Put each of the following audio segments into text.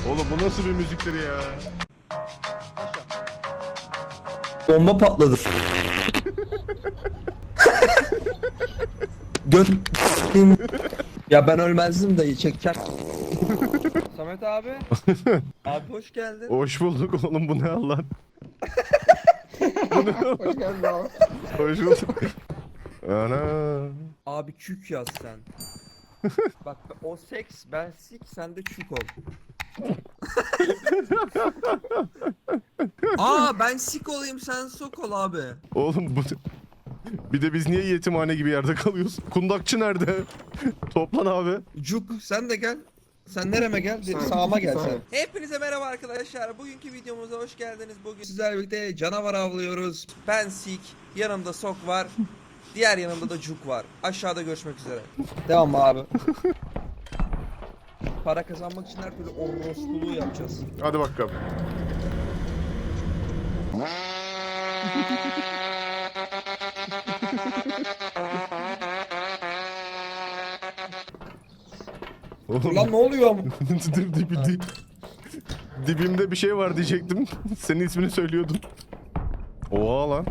Oğlum bu nasıl bir müziktir ya? Bomba patladı. Göt. Ya ben ölmezdim dayı çeker. Samet abi. Abi hoş geldin. Hoş bulduk oğlum, bu ne Allah? Bu ne? Hoş geldin abi. Hoş bulduk. Ana. Abi çük yaz sen. Bak o seks, ben sik, sen de çük ol. Aa ben sik olayım, sen sok ol abi. Oğlum bu... Bir de biz niye yetimhane gibi yerde kalıyoruz? Kundakçı nerede? Toplan abi. Cuk sen de gel. Sen nereme gel? Sağıma gel sen. Hepinize merhaba arkadaşlar. Bugünkü videomuza hoş geldiniz. Bugün sizlerle birlikte canavar avlıyoruz. Ben sik, yanımda sok var. Diğer yanımda da cuk var. Aşağıda görüşmek üzere. Devam mı abi? Para kazanmak için her türlü orospuluğu yapacağız. Hadi bakalım. Oğlum, Lan ne oluyor? dibimde bir şey var diyecektim. Senin ismini söylüyordum. Oha lan.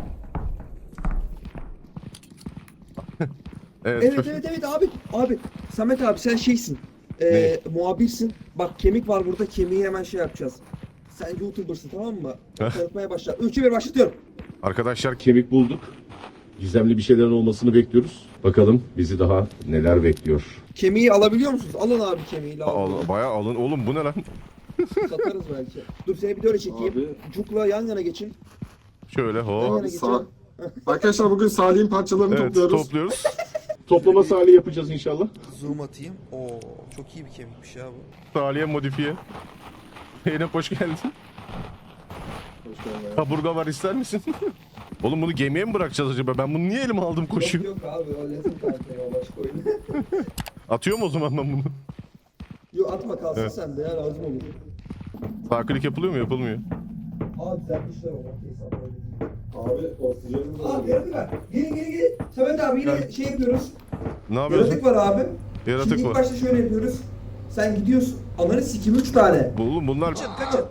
Evet. Evet abi Samet abi sen şeysin. Muhabirsin. Bak kemik var burada, kemiği hemen şey yapacağız. Sen YouTuber'sın, tamam mı? Tanıtmaya başla. 3'e 1 başlatıyorum. Arkadaşlar Kemik bulduk. Gizemli bir şeylerin olmasını bekliyoruz. Bakalım bizi daha neler bekliyor. Kemiği alabiliyor musunuz? Alın abi kemiği. bayağı alın. Oğlum bu ne lan? Satarız belki. Dur seni bir de öyle çekeyim. Abi. Cuk'la yan yana geçin. Şöyle Yan hop. yana Abi geçin. Arkadaşlar bugün Salih'in parçalarını Evet, topluyoruz. topluyoruz. Toplama sahili yapacağız inşallah. Zoom atayım. Oo çok iyi bir kemikmiş ya bu. Taliye modifiye. Zeynep hoş geldin. Hoş geldin. Kaburga var, ister misin? Oğlum bunu gemiye mi bırakacağız acaba? Ben bunu niye elime aldım koşuyor? Yok abi o lezzet kaliteli o başka oyun. Atıyor mu o zaman ben bunu? Yok atma kalsın Evet. sende ya, lazım olur. Sağ klik yapılıyor mu? Yapılmıyor. Abi düzeltmişler o makineyi sana öyle değil. Abi oksijenimiz Abi yaratık var. Gelin. Samet abi yine şey yapıyoruz. Ne yapıyorsun? Yaratık var abi. Yaratık Şimdi ilk var. başta şöyle yapıyoruz. Sen gidiyorsun. Ananı sikim 3 tane. Oğlum bunlar... Kaçın.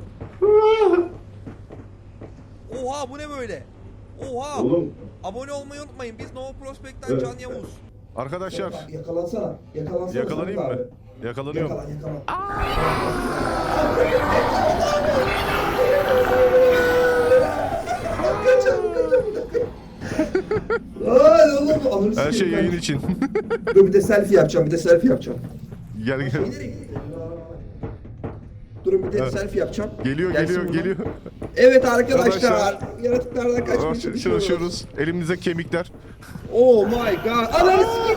Oha bu ne böyle? Oha. Oğlum Abone olmayı unutmayın. Biz Nova Prospect'ten Evet. Can Yavuz. Arkadaşlar Yakalansana. yakalanayım Samet mı? abi. Yakalanıyorum. Yakalan. Kaçalım. Ay oğlum ananı Her şey sikeyim ben. yayın için. Dur bir de selfie yapacağım. Gel gel. Durun bir de Evet. selfie yapacağım. Geliyor Gelsin buradan. geliyor. Evet arkadaşlar. Arkadaşlar. Yaratıklardan kaçmaya çalışıyoruz. Çalışıyoruz. Elimizde kemikler. Oh my god. Ananı sikeyim.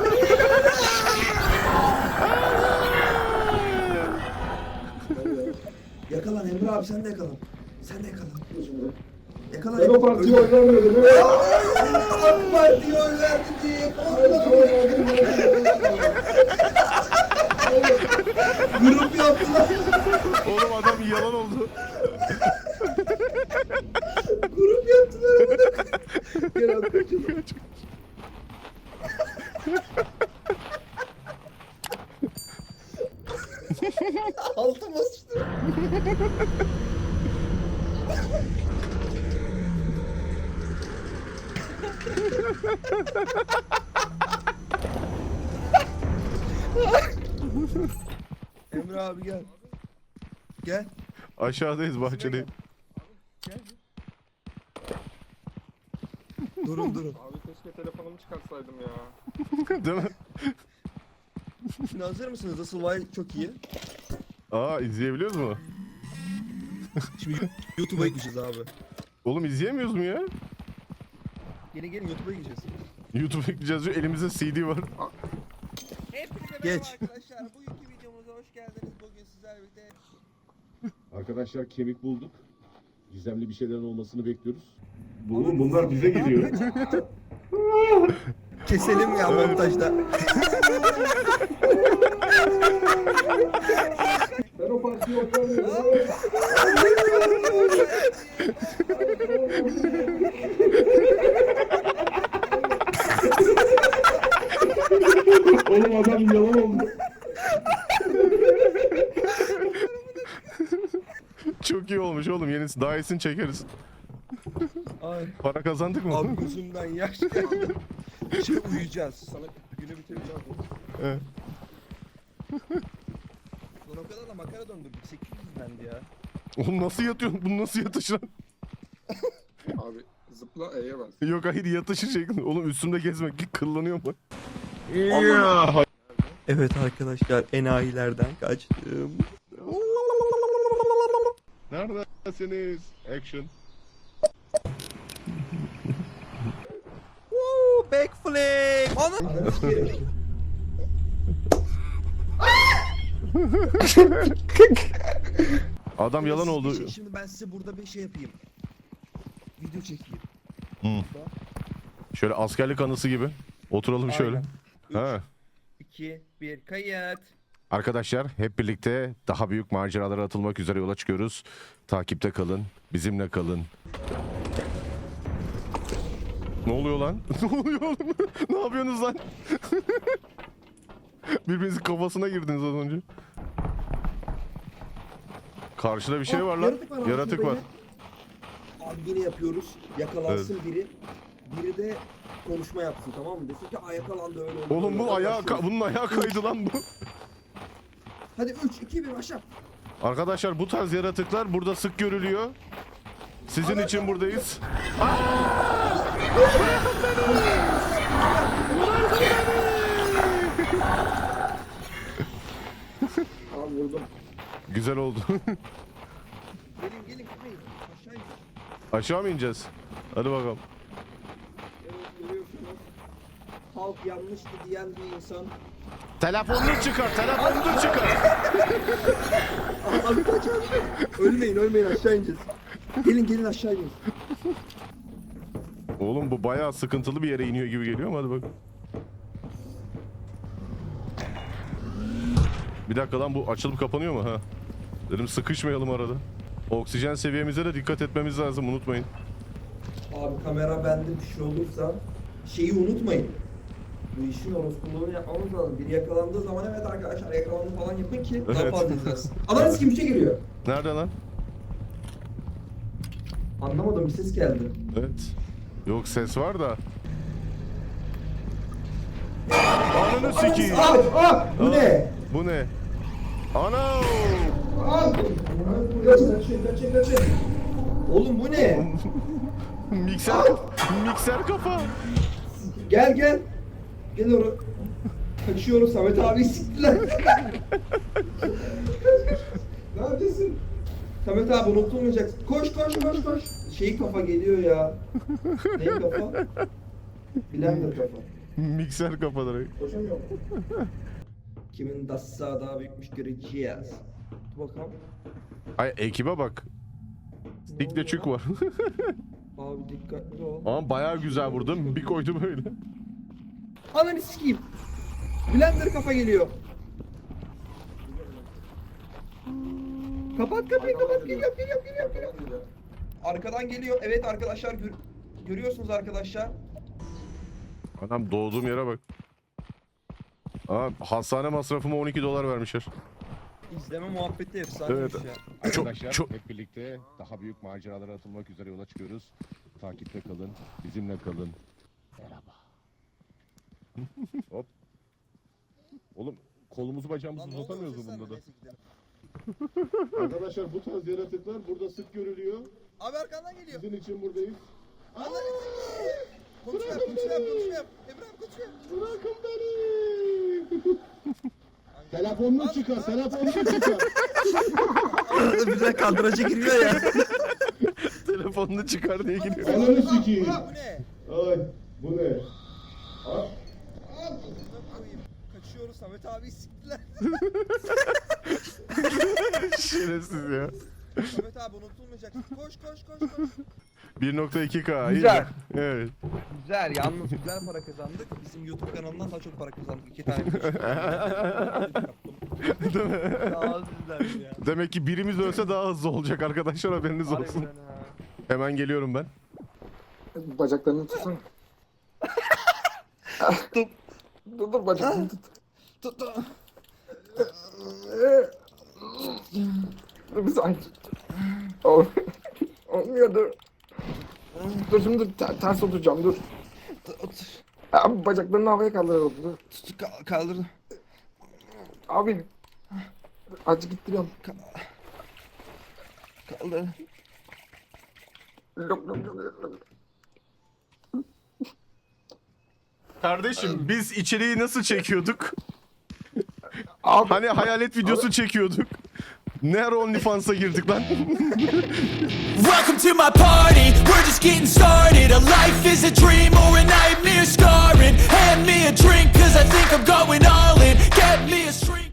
Yakalan Emre abi, sen de yakalan. Yakalan. Ben o partiye oy vermedim. AK Parti'ye oy verdi diye grup yaptılar. Oğlum adam yalan oldu. Grup yaptılar. Gel abi kaçalım. Altıma sıçtı. Emre abi gel. Gel. Aşağıdayız bahçede. Durun. Abi keşke telefonumu çıkarsaydım ya. Değil mi? Şimdi hazır mısınız? Asıl olay çok iyi. Aa, izleyebiliyoruz mu? Şimdi YouTube'a gideceğiz abi. Oğlum izleyemiyoruz mu ya? Gelin YouTube'a gideceğiz. YouTube'a ekleyeceğiz diyor. Elimizde CD var. Hepinize Geç. arkadaşlar. Bugünkü videomuza hoş geldiniz. Bugün sizlerle birlikte arkadaşlar kemik bulduk. Gizemli bir şeylerin olmasını bekliyoruz. Oğlum bunlar bize geliyor. keselim ya montajda. Ben o partiye oy vermedim. Oğlum adam yalan oldu. Çok iyi olmuş oğlum. Yenisi daha iyisini çekeriz. Ay. Para kazandık mı? Abi gözümden yaş geldi. Şey uyuyacağız. Sana günü bitireceğim. Evet. Lan o kadar da makara döndürdük. 800 dendi ya. Oğlum nasıl yatıyorsun? Bu nasıl yatış lan? Abi zıpla E'ye bas. Yok hayır yatışı şeklinde. Oğlum üstümde gezmek kıllanıyor mu? Evet arkadaşlar enayilerden kaçtım. Neredesiniz? Action. Woo, backflip. Ana. Adam yalan oldu. Şimdi ben size burada bir şey yapayım. Video çekeyim. Şöyle askerlik anısı gibi. Oturalım şöyle. Aynen. Ha. 2, 1 kayıt. Arkadaşlar hep birlikte daha büyük maceralara atılmak üzere yola çıkıyoruz. Takipte kalın. Bizimle kalın. Ne oluyor lan? Ne oluyor oğlum? Ne yapıyorsunuz lan? Birbirinizin kafasına girdiniz az önce. Karşıda bir şey var lan. Yaratık var. Abi yine yapıyoruz. Yakalansın biri. Biri de konuşma yapsın, tamam mı? Desin ki yakalandı öyle oldu. Oğlum bu öyle oldu." ayağı bunun ayağı kaydı lan bu. Hadi 3, 2, 1 başla. Arkadaşlar bu tarz yaratıklar burada sık görülüyor. Sizin için buradayız. Abi vurdum. Güzel oldu. Gelin gelin kapayın. Aşağı in. Aşağı mı ineceğiz? Hadi bakalım. Evet, görüyorsunuz. Halk yanlıştı diyen bir insan. Telefonunu çıkar, telefonunu çıkar. Abi kaç abi. Ölmeyin aşağı ineceğiz. Gelin aşağı inin. Oğlum bu bayağı sıkıntılı bir yere iniyor gibi geliyor ama hadi bakalım. Bir dakika lan bu açılıp kapanıyor mu ha? Dedim sıkışmayalım arada. Oksijen seviyemize de dikkat etmemiz lazım unutmayın. Abi kamera bende bir şey olursa şeyi unutmayın. Bu işin orospuluğunu yapmamız lazım. Biri yakalandığı zaman evet arkadaşlar yakalandı falan yapın ki daha Evet. fazla izlersin. Ananız kim bir şey geliyor. Nerede lan? Anlamadım bir ses geldi. Evet. Yok ses var da. Ananı sikeyim. Bu ne? Bu ne? Ana! Kaçın. Oğlum bu ne? Mikser kafa. Gel. Gel oraya. Kaçıyoruz Samet abi siktiler. Neredesin? Samet abi unutulmayacaksın. Koş. Şey kafa geliyor ya. Ne kafa? Blender kafa. Mikser kafa direkt. Koşamıyor. Kimin dassa daha büyükmüş göreceğiz. Dur bakalım. Ay ekibe bak. Dikle çük var. Abi dikkatli ol. Ama bayağı güzel vurdum. Bir koydu böyle. Ananı sikeyim. Blender kafa geliyor. Kapat kapıyı geliyor. Arkadan geliyor. Evet arkadaşlar görüyorsunuz arkadaşlar. Adam doğduğum yere bak. Aa, hastane masrafıma 12 dolar vermişler. İzleme muhabbeti efsaneymiş Evet. ya. Arkadaşlar çok- hep birlikte daha büyük maceralara atılmak üzere yola çıkıyoruz. Takipte kalın, bizimle kalın. Merhaba. Hop. Oğlum kolumuzu bacağımızı uzatamıyoruz mu bunda da? Arkadaşlar bu tarz yaratıklar burada sık görülüyor. Abi arkandan geliyor. Sizin için buradayız. Konuşma yap. Emrah konuşma yap. Bırakın beni. Telefonunu çıkar. Arada birden kandıraca giriyor ya. Telefonunu çıkar diye gidiyor. Ananı sikeyim. Bu ne? Ay bu ne? Ay. Kaçıyoruz Samet abi siktiler. Şerefsiz ya. Samet abi unutulmayacaksın. Koş. 1.2K. iyi Güzel. mi? Evet. Güzel yalnız güzel para kazandık. Bizim YouTube kanalından daha çok para kazandık. 2 tane video Değil mi? Daha güzel ya. Demek ki birimiz ölse daha hızlı olacak arkadaşlar haberiniz olsun. Harbiden ha. Hemen geliyorum ben. Bacaklarını tutsana. Dur bacaklarını tut. Tut. Dur biz aynı tut. Olmuyor dur. Dur şimdi ters oturacağım dur. Otur. Abi bacaklarını havaya kaldıralım dur. Kaldırdım. Abi. Azıcık gittiriyorum. Kaldırdım. Lok, lok, lok, lok. Kardeşim biz içeriği nasıl çekiyorduk? Abi. Hani hayalet videosu çekiyorduk. Ne ara OnlyFans'a girdik lan? Welcome to my party, we're just getting started. A life is a dream or a nightmare scarring. Hand me a drink cause I think I'm going all in. Get me a